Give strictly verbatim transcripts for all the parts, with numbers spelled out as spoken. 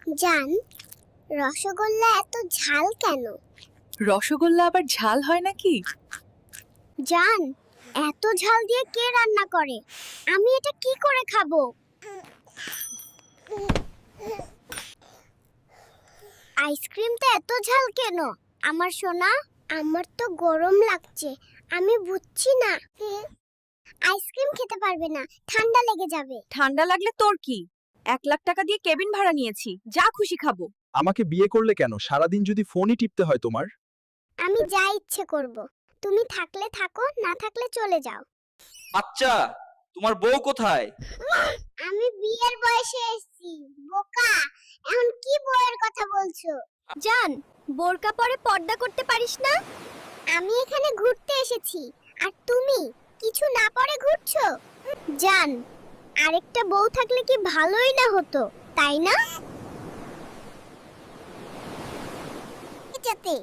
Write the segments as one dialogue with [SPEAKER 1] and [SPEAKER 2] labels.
[SPEAKER 1] জান, রসগোল্লা এত ঝাল কেন?
[SPEAKER 2] রসগোল্লা আবার ঝাল হয় নাকি?
[SPEAKER 1] জান, এত ঝাল দিয়ে কে রান্না করে? আমি এটা কি করে খাবো? আইসক্রিমটা এত ঝাল কেন? আমার সোনা, আমার তো গরম লাগছে। আমি বুঝছি না। আইসক্রিম খেতে পারবে না, ঠান্ডা লেগে যাবে।
[SPEAKER 2] ঠান্ডা লাগলে তোর কি? এক লাখ টাকা দিয়ে কেবিন ভাড়া নিয়েছি, যা খুশি খাবো।
[SPEAKER 3] আমাকে বিয়ে করলে কেন? সারাদিন যদি ফোনই টিপতে হয় তোমার।
[SPEAKER 1] আমি যা ইচ্ছে করব। তুমি থাকলে থাকো, না থাকলে চলে যাও।
[SPEAKER 4] আচ্ছা, তোমার বউ কোথায়?
[SPEAKER 1] আমি বিয়ের বয়সে এসেছি, বোকা। এখন কি বউয়ের কথা বলছো? জান, বোরকা পরে পর্দা করতে পারিস না? আমি এখানে ঘুরতে এসেছি, আর তুমি কিছু না পরে ঘুরছো? জান, আরেকটা বউ থাকলে কি ভালোই না হতো, তাই না? যাতে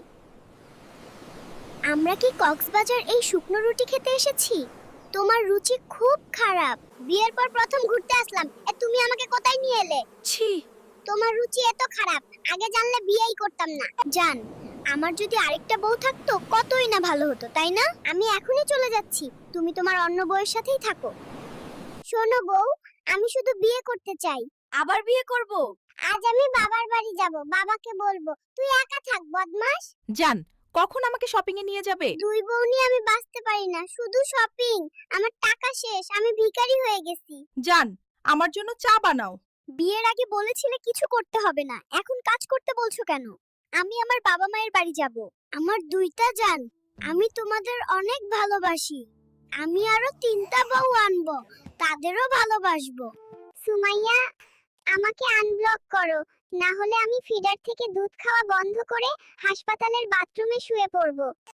[SPEAKER 1] আমরা কি কক্সবাজার এই শুকনো রুটি খেতে এসেছি? তোমার রুচি খুব খারাপ। বিয়ের পর প্রথম ঘুরতে আসলাম, এ তুমি আমাকে কোথায় নিয়ে এলে?
[SPEAKER 2] ছি,
[SPEAKER 1] তোমার রুচি এত খারাপ, আগে জানলে বিয়েই করতাম না। জান, আমার যদি আরেকটা বউ থাকতো কতই না ভালো হতো, তাই না? আমি এখনই চলে যাচ্ছি, তুমি তোমার অন্য বউয়ের সাথেই থাকো। শোনো বউ, আমি শুধু বিয়ে করতে চাই।
[SPEAKER 2] আবার বিয়ে করব?
[SPEAKER 1] আজ আমি বাবার বাড়ি যাব, বাবাকে বলবো তুই একা থাক বদমাস।
[SPEAKER 2] জান, কখন আমাকে শপিং এ নিয়ে যাবে?
[SPEAKER 1] দুই বউ নিয়ে আমি বাঁচতে পারি না, শুধু শপিং। আমার টাকা শেষ, আমি ভিখারি হয়ে গেছি।
[SPEAKER 2] জান, আমার জন্য চা বানাও।
[SPEAKER 1] বিয়ের আগে বলেছিলে কিছু করতে হবে না, এখন কাজ করতে বলছো কেন? আমি আমার বাবা মায়ের বাড়ি যাব। আমার দুইটা জান, আমি তোমাদের অনেক ভালোবাসি। আমি আরো তিনটা বউ আনবো, তাদেরও ভালোবাসবো। সুমাইয়া, আমাকে আনব্লক করো, না হলে আমি ফিডার থেকে দুধ খাওয়া বন্ধ করে হাসপাতালের বাথরুমে শুয়ে পড়বো।